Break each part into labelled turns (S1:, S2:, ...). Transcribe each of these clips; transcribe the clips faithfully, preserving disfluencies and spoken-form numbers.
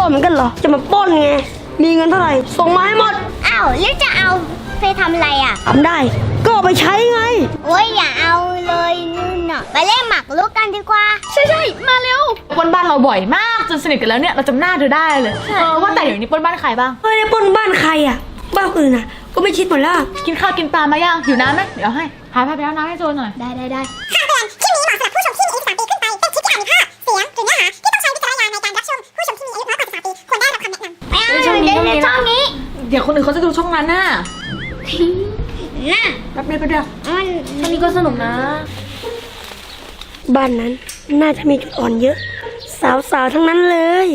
S1: เหมือนกันเหรอจะมาปล้นไงมีเงินเท่าไหร่ส่งมาให้หมด
S2: อ้าวแล้วจะเอาไปทำอะไรอ่ะ
S1: ทำได้ก็เอาไปใช้ไง
S2: โอ้ยอย่าเอาเลยนู่นน่ะไปเล่นหมากรุกกันดีกว่า
S3: ใช่ใช่มาเร็วปล้นบ้านเราบ่อยมากจนสนิทกันแล้วเนี่ยเราจำหน้าเธอได้เลยเออว่าแต่เดี๋ยวนี้ปล้นบ้านใครบ้าง
S1: ไม่ได้ปล้นบ้านใครอ่ะบ้านอื่นอ่ะก็ไม่ชิดหมดแล้ว
S3: กินข้าวกินปลามาย่างหิวน้ำไหมเดี๋ยวให้พาพาไปเอาน้ำให้โจนหน่อย
S2: ได้ได้ได้
S4: คำเตือนคลิปนี้เหมาะสำหรับผู้ชมที่มีอายุสิบสามปีขึ้นไปเป็นคลิปที่อาจมีภาพเสียงหรือเนื้อหาที่ต้องใช้วิจารณญาณในการรับชมผู้ชมที่มีอายุน้อยกว่าสิบสามปีควรได้รับคำแนะนำ
S2: ไม่เอาเดี๋ยวในช่องนี้
S3: เดี๋ยวคนอื่นเขาจะดูช่องนั้นน่ะ
S2: น่ะ
S3: แป๊บเดียวแป๊บเดียว
S2: มัน
S3: ช่องนี้ก็สนุกนะ
S1: บ้านนั้นน่าจะมีจุดอ่อนเยอะสาวๆทั้งนั้นเลย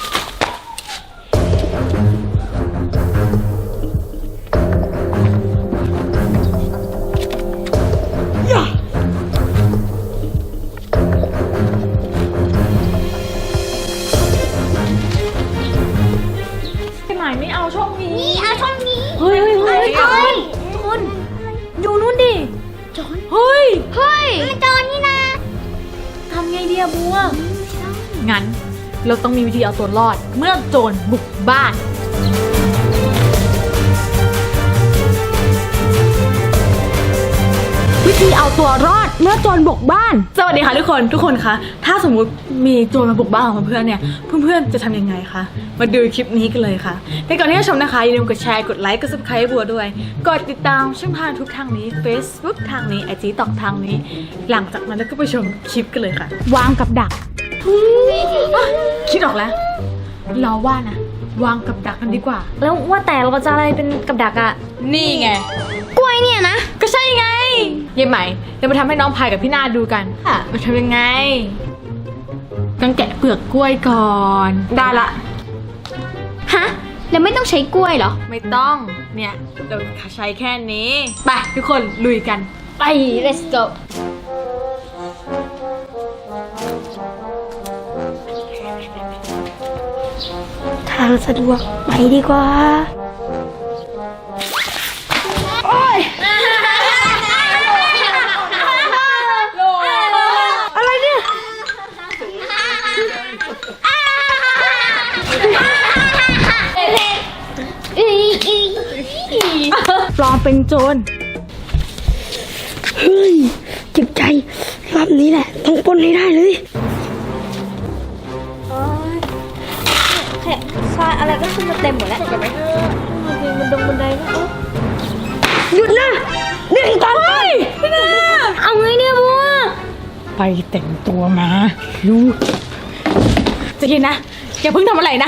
S3: ไม่เอาช่องนี้
S2: นี่เอาช่องนี้
S3: เฮ้ยเฮ้ยเฮ้ย
S2: เฮ้ย
S3: คุณดูนู่นดิ
S2: โจร
S3: เฮ้ย
S2: เฮ้ยมันโจรนี่นะ
S3: ทำไงดีอะบัวงั้นเราต้องมีวิธีเอาตัวรอดเมื่อโจรบุกบ้านวิธีเอาตัวรอดเมื่อโจรบุกบ้านสวัสดีค่ะทุกคนทุกคนคะถ้าสมมุติมีโจรมาบุกบ้านของเพื่อนเนี่ยเพื่อนๆจะทำยังไงคะมาดูคลิปนี้กันเลยค่ะแต่ก่อนที่จะชมนะคะอย่าลืมกดแชร์กดไลค์กด ซับสไครบ์ ให้บัวด้วยกดติดตามช่องทางทุกทางนี้ Facebook ทางนี้ ไอ จี ต็อกทางนี้หลังจากนั้นเราก็ไปชมคลิปกันเลยค่ะวางกับดักคิดออกแล้วเราว่านะวางกับดักกันดีกว่า
S5: แล้วว่าแต่เราจะอะไรเป็นกับดักอะ
S3: นี่ไง
S5: กล้วยเนี่ยนะ
S3: ก็ใช่ไงเย่ใหม่เดี๋ยวมาทำให้น้องพายกับพี่นาดูกันค่ะมาทำยังไงต้องแกะเปลือกกล้วยก่อนได้ละ
S5: ฮะแล้วไม่ต้องใช้กล้วยเหรอ
S3: ไม่ต้องเนี่ยเราใช้แค่นี้ไปทุกคนลุยกัน
S5: ไป let's go
S1: ทางสะดวกไปดีกว่าโอ๊ยอะไรเนี่ย
S3: ปลอมเป็นโจร
S1: เฮ้ยเจ็บใจรอบนี้แหละต้องปล้นให้ได้เลย
S5: แค่ซอยอะไรก็ขึ้นมาเต็มหมดแล้วจริงมันดงบันไดก็
S1: หยุดนะนี่คือการไป
S3: พี่นา
S5: เอาไงเนี่ยบัว
S3: ไปแต่งตัวมาดูจะกินนะอย่าเพิ่งทำอะไรนะ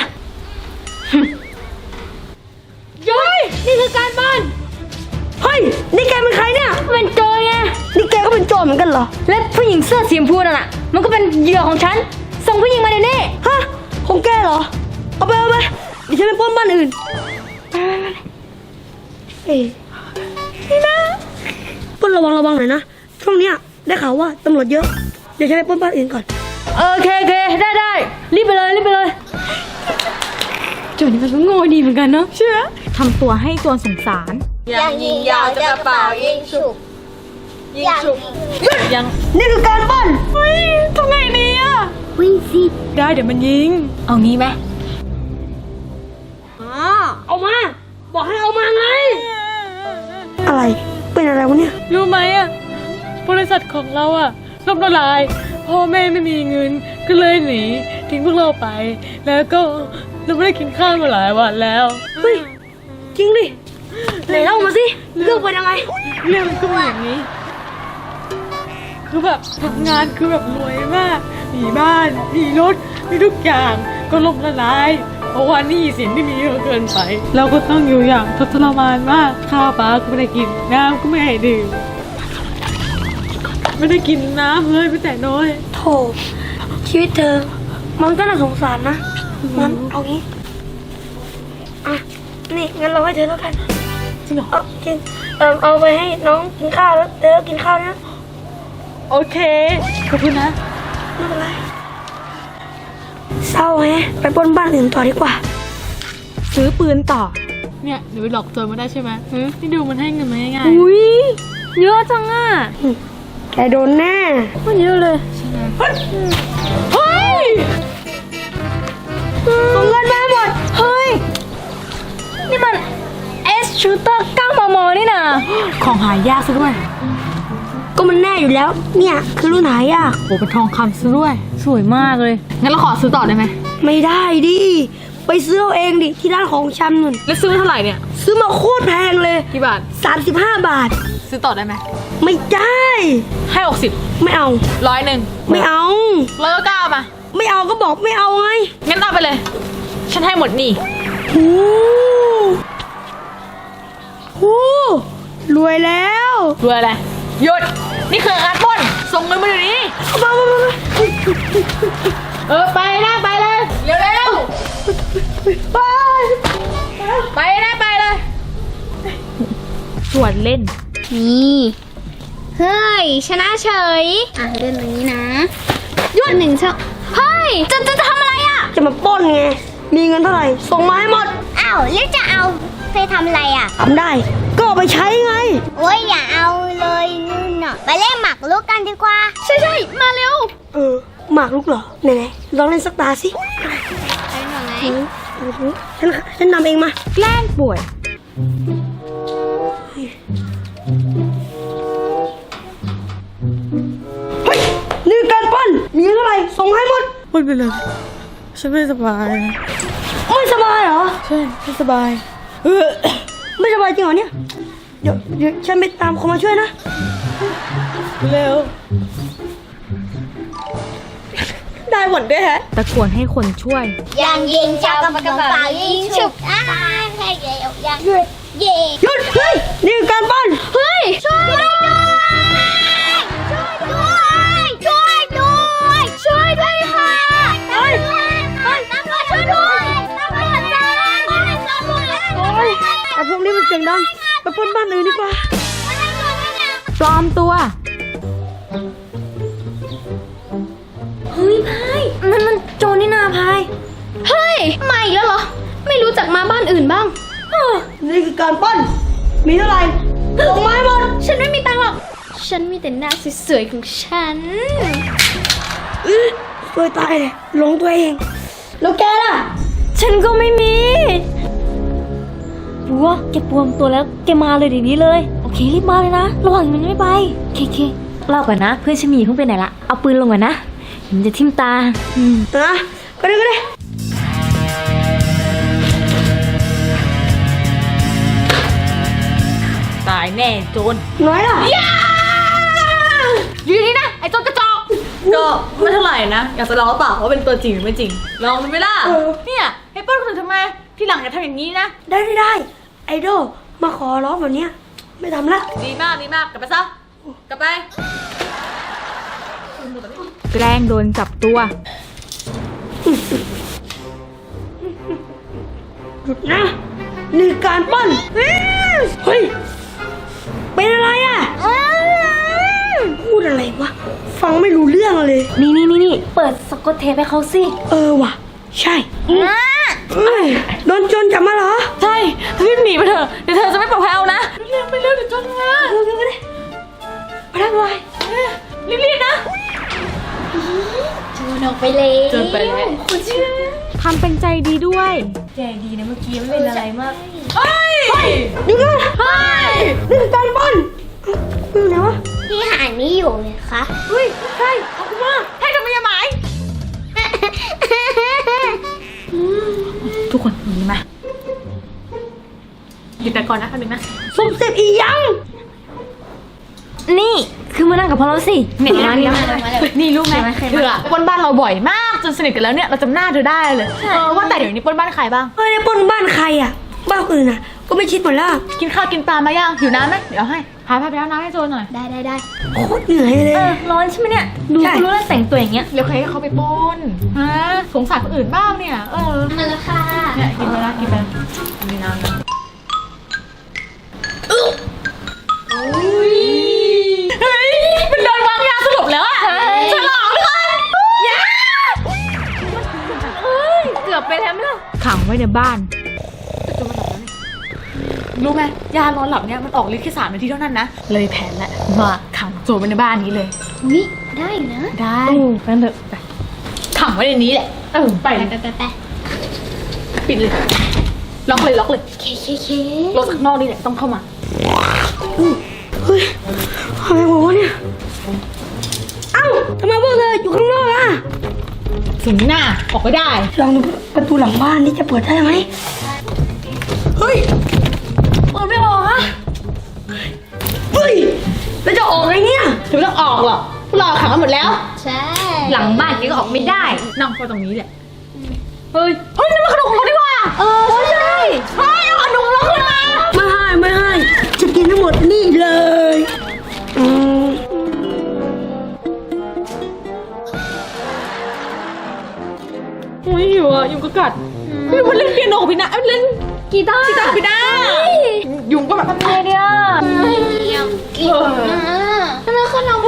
S3: ย้อยนี่คือการบ้าน
S1: เฮ้ยนี่แกเป็นใครเนี่ย
S5: เป็นโจรไง
S1: นี่แกก็เป็นโจรเหมือนกันเหรอ
S5: และผู้หญิงเสื้อสีชมพูนั่นน่ะมันก็เป็นเหยื่อของฉันส่งผู้หญิงมาเดี๋ยวนี้
S1: ฮะของแกเหรอเอาไปเอาไปเดี๋ยวฉันไปปล้นบ้านอื่นเอ้ยนี่นะปล้นระวังระวังหน่อยนะช่วงเนี้ยได้ข่าวว่าตำรวจเยอะเดี๋ยวฉันไปปล้นบ้านอื่นก่อน
S5: โอเคโอเคได้ได้รีบไปเลยรีบไปเลยโจรนี่มันก็โง่ดีเหมือนกันเนาะ
S3: เชื่อทำตัวให้โจรสงสาร
S2: ยังยิงยาวจะกระเป๋ายิงฉุก
S3: ยิงฉุกยัง
S1: นี่คือการปล้น
S3: เฮ้ยทำไงดีอ่ะ
S2: วิ่งสิ
S3: ได้เดี๋ยวมันยิงเอางี้ไหม
S1: อ๋อเอามาบอกให้เอามาไงอะไรเป็นอะไรวะเนี่ย
S3: รู้ไหมอ่ะบริษัทของเราอ่ะล่มละลายพ่อแม่ไม่มีเงินก็เลยหนีทิ้งพวกเราไปแล้วก็เราไม่ได้กินข้าวมาหลายวันแล้ว
S1: เฮ้ยจริงดิไหนเล่ามาสิเรื่องเป็นยังไง
S3: เรื่องก็เป็นอย่างนี้คือแบบทำงานคือแบบรวยมากมีบ้านมีรถมีทุกอย่างก็ล่มละลายเพราะว่าหนี้สินที่มีเยอะเกินไปเราก็ต้องอยู่อย่างทุกข์ทรมานมากข้าวปลาก็ไม่ได้กินน้ำก็ไม่ให้ดื่มไม่ได้กินน้ำเลยไม่แต่น้อย
S1: โธ่ชีวิตเธอมันก็น่าสงสารนะงั้นเอางี้อ่ะนี่งั้นเราให้เธอแล้วกัน
S3: จริงเหรอ
S1: จริงเออเอาไปให้น้องกินข้าวแล้วเธอกินข้าวนะ
S3: โอเคขอบคุณนะ
S1: ไม่เป็นไรเศร้าแฮะไปปล้นบ้านอื่นต่อดีกว่า
S3: ซื้อปืนต่อเนี่ยหนูหลอกโจรมาได้ใช่ไหมนี่ดูมันให้เงินมาง่าย
S5: ๆอุ้ยเยอะจังอ่ะ
S1: แกโดนแน่
S5: มันเยอะเลย
S3: เฮ้ย
S1: ส่งเงินมาให้หมด
S5: เฮ้ย นี่มันเอสชูเตอร์เก้ามมนี่นะ
S3: ของหายากซะด้วย
S1: ก็มันแน่อยู่แล้ว เนี่ยคือรุ่นหายาก
S3: โอ้เป็นทองคำซะด้วย
S5: สวยมากเลย
S3: งั้นเราขอซื้อต่อได้ไหม
S1: ไม่ได้ดิ ไปซื้อเอาเองดิที่ร้านของชำนุ่น
S3: แล้วซื้อเท่าไหร่เนี่ย
S1: ซื้อมาโคตรแพงเลย
S3: กี่บาท
S1: สามสิบห้าบาท
S3: ซื้อต่อได้ไหม
S1: ไม่ได้
S3: ให้หกสิบ
S1: ไม่เอา
S3: ร้อยหนึ่ง
S1: ไม่เอา
S3: ร้อยเก้ามา
S1: ไม่เอาก็บอกไม่เอาไง
S3: งั้นเอาไปเลย ฉันให้หมดนี่
S1: โอ้โหรวยแล้ว
S3: รวยอะไรหยุด นี่คือการปล้น ส่งเงินมาเดี๋ยวนี้
S1: เอามามามามา
S3: เออไปนะไปเลย เร็วเร็ว
S1: ไป
S3: ไปนะไปเลย
S5: ส่วนเล่น
S2: นี่เฮ้ยชนะเฉยอ่ะเล่นตรงนี้นะยอดหนึ่งเชเฮ้ยจะจะจะทำอะไรอ่ะ
S1: จะมาปล้นไง มีเงินเท่าไหร่ ส่งมาให้หมด
S2: อ้าวแล้วจะเอาไปทำอะไรอ่ะ
S1: ทำได้ ก็เอาไปใช้ไง
S2: โอ้ยอย่าเอาเลยนู่นน่ะไปเล่นหมากรุกกันดีกว่า ใช่ใช่มาเร็ว
S1: เออ หมากลุกเหรอ ไหนๆลองเล่นสักตาสิ
S2: ไปหน่อยไหม
S1: ฉันฉันนำเองมา
S5: แกล้งป่วย
S1: เฮ้ย นี่การปล้น มีเงินเท่าไหร่ ส่งให้หมด
S3: พูดไปเลย ฉันไม่สบาย
S1: ไม่สบายเหรอ
S3: ใช่ไม่สบาย
S1: เออ ไม่สบายจริงเหรอเนี่ย เดี๋ยวเดี๋ยวฉันไปตามคนมาช่วยนะ
S3: เร็ว ได้หมดด้วยฮะ
S5: ตะโกนให้คนช่วย
S2: ยังยิงชาวกระกระเป๋ายิงฉุบอ้าแค่เดียวยังหยุดเย่
S1: หยุด เฮ้ย นี่คือการปล้น
S2: เฮ้ยช่วยด้วยช่วยด้วยช่วยด้วยช่วยด้วยค่ะตำรวจตำรวจช่วยด้วยตำรวจจ้าตำรวจ
S1: โอ้ยแต่พวกนี้มันเสียงดัง ไปปล้นบ้านอื่นดีกว่า
S5: ปลอมตัว
S2: เฮ้ยพายนั่นมันโจรนี่นาพายเฮ้ยมาอีกแล้วเหรอไม่รู้จักมาบ้านอื่นบ้างเออ
S1: นี่คือการปล้น มีเท่าไหร่ ส่งมาให้หมด
S2: ฉันไม่มีตังค์หรอก ฉันมีแต่หน้าสวยๆของฉัน
S1: อื้อสวยตายเลยหลงตัวเอง แล้วแกล่ะ
S5: ฉันก็ไม่มีบัวแกปลอมตัวแล้วแกมาเลยเดี๋ยวนี้เลย โอเครีบมาเลยนะ ระหว่างมันไม่ไปเคเคเล่าก่อนนะ เพื่อนฉันมีเพิ่งไปไหนละ เอาปืนลงก่อนนะมันจะทิ่มตา อืม
S1: นะก็ได้ก็ได้
S3: ตายแน่โจร
S1: น้อยล่ะ
S3: อยู่นี่นะ ไอ้โจรกระจอก ก็ไม่เท่าไหร่นะ อยากจะลองหรือเปล่าว่าเป็นตัวจริงหรือไม่จริง ลองดูไหมล่ะ
S1: เออ
S3: เนี่ยให้ปล้นคนอื่นทำไม ที่หลังอย่าทำอย่างนี้นะ
S1: ได้ได้ได้ ไอดอลมาขอร้องแบบเนี้ยไม่ทำละ
S3: ดีมากดีมาก กลับไปซะ กลับไป
S5: แกล้งโดนจับตัว
S1: หยุดนะนี่คือการปล้นอื้อเฮ้ย เป็นอะไรอ่ะพูดอะไรวะ ฟังไม่รู้เรื่องเลย
S5: นี่นี่นี่นี่เปิดสกอตเทปให้เขาสิ
S1: เออว่ะ ใช่เอ้ยโดนโจรจับมาเหรอ
S3: ใช่รีบหนีไปเถอะ เดี๋ยวเธอจะไม่ปลอดภัยเอานะเร็วไปเร็วเดี๋ยวโจรมา
S1: เออก็ได้ไปได้ไป
S3: รีบๆนะ
S2: โจรออกไปเลย
S3: โจรไปแล้ว
S2: คุณเชื่อ
S5: ทำเป็นใจดีด้วย
S3: เฮ้ย
S1: เดี๋ยวก่อนเฮ้ยนี่คือการปล้นเอ้าอยู่ไหนวะ
S2: พี่หานี่อยู่ไงคะ
S1: เฮ้ย ใช่ขอบคุณมาก
S3: ให้ทำไมยาหมาย ทุกคนหนีมาหยุดแต่ก่อนนะคันหนึ่งนะ
S1: สมเสร็จอียัง
S5: นี่คือมานั่งกับพวกเราสิ
S3: เนี่ย
S5: มานี่มา
S3: นี่รู้ไหมเธออะปล้นบ้านเราบ่อยมากจนสนิทกันแล้วเนี่ยเราจำหน้าเธอได้เลยเออว่าแต่เดี๋ยวนี้ปล้นบ้านใครบ้าง
S1: เฮ้ยปล้นบ้านใครอ่ะ บ้านคนอื่นอ่ะ ก็ไม่ชิดหมดแล้ว
S3: กินข้าวกินปลามายังอยู่น้ำไหมเดี๋ยวให้พาพาไปเอาน้ำให้โจรหน่อย
S2: ได้ได้ได้
S1: โคตรเหนื่อยเลย
S5: เออร้อนใช่ไหมเนี่ย ดู
S1: ใช่
S5: รู้แล้วแต่งตัวอย่างเงี้ย
S3: เดี๋ยวใครให้เขาไปปล้นฮะสงสารคนอื่นบ้างเนี่ยเออ
S2: มาแล้วค่ะ
S3: เนี่ยกินไปละกินไปละมีน้ำนะเฮ้ยมันโดนวางยาสลบแล้วอะฉลองเลยยา
S5: เกือบไปแล้วไหมล่ะขังไว้ในบ้าน
S3: รู้ไหมยานอนหลับเนี่ยมันออกฤทธิ์แค่สามนาทีเท่านั้นนะเลยแผนแล้วว่าขังโจรไว้ในบ้านนี้เลย
S2: วิได้นะ
S3: ได้
S5: ไปเถอะไป
S3: ขังไว้ในนี้แหละเออไป
S2: ไปไปไปไป
S3: ปิดเลยล็อกเลยล็อกเลย
S2: เคเคเค
S3: รถข้างนอกนี่แหละต้องเข้ามา
S1: เฮ้ยอะไรวะเนี่ย เอ้าทำไมพวกเธออยู่ข้างนอกอ่ะ
S3: ถึงหน้าออกไม่ได้
S1: ลองดูประตูหลังบ้านนี่จะเปิดได้ไหม เฮ้ย เปิดไม่ออกอะเฮ้ย แล้วจะออกไงเนี่ย
S3: จะไม่ต้องออกหรอกพวกเราขังกันหมดแล้ว
S2: ใช่
S5: หลังบ้านแกก็ออกไม่ได้
S3: นั่งเฝ้าตรงนี้แหละ เฮ้ย เฮ้ยนั่นมันขนมของเราดีกว่า
S5: เออใช่
S3: เฮ้ยเอาขนมเราขึ้นมา
S1: ไม่ให้ไม่ให้ จะกินทั้งหมดนี่เลยอืม
S3: โอ้ยอยู่อ่ะยุงก็กัดเฮ้ยมันเล่นเปียโนกับพี่นะเอ้ยเล่น
S2: กีตาร์
S3: กีตาร์กับพี่นะยุงก็แบบ
S5: ไงเนี่ย
S2: อยากกินนะแล้วขนม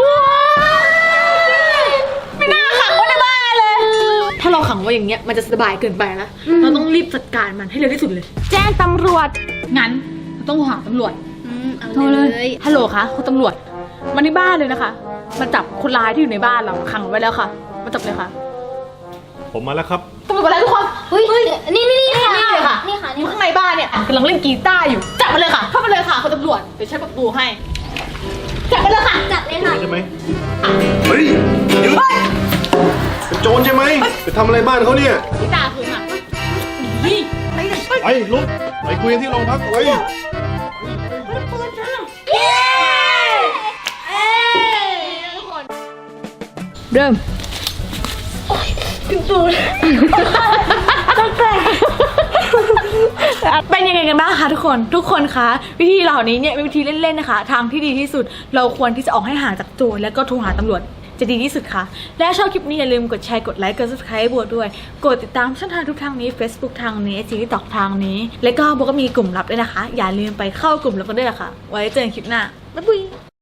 S3: ไม่น่าขังไว้ในบ้านเลย ถ้าเราขังไว้อย่างเงี้ยมันจะสบายเกินไปนะเราต้องรีบจัดการมันให้เร็วที่สุดเลย
S5: แจ้งตำรวจ
S3: งั้นเราต้องหาตำรวจ
S2: อืมเอา
S3: โทร
S2: เล
S3: เลย ยฮัลโหลคะคุณตำรวจมาที่บ้านเลยนะคะมาจับคนร้ายที่อยู่ในบ้านเราขังไว้แล้วค่ะมาจับเลยค่ะ
S6: ผมมาแล้วครับ
S3: ตำรวจมาแล้วทุกคน
S2: เฮ้ยนี่นี่นี่ค่ะ
S3: นี่เลยค่ะ
S2: นี่ค่ะ
S3: อ
S2: นี่
S3: ยู่
S2: ค่ะ
S3: ข้างในบ้านเนี่ยกำลังเล่นกีตาร์อยู่จับมาเลยค่ะเข้ามาเลยค่ะคุณตำรวจเดี๋ยวใช้ประตูให้จับมาเลยค่ะ
S2: จับเลยค่ะ
S6: ใช่ไหมเฮ้ยหยุดเป็นโจรใช่ไหมไปทำอะไรบ้านเขาเนี่ย
S3: กีตาร์คืนค่ะนี่
S6: ไปลุกไปคุยกันที่โรงพักไป
S3: เริ่มเป็นยังไงกันบ้างคะทุกคนทุกคนคะวิธีเหล่านี้เนี่ยเป็นวิธีเล่นๆนะคะ ทางที่ดีที่สุดเราควรที่จะออกให้ห่างจากโจรแล้วก็โทรหาตำรวจจะดีที่สุดค่ะและชอบคลิปนี้อย่าลืมกดแชร์กดไลค์กด ซับสไครบ์ บัวด้วยกดติดตามช่องทางทุกทางนี้ Facebook ทางนี้ TikTok ตอกทางนี้แล้วก็บัวก็มีกลุ่มลับด้วยนะคะอย่าลืมไปเข้ากลุ่มลับกันด้วยล่ะค่ะไว้เจอกันคลิปหน้าบ๊ายบาย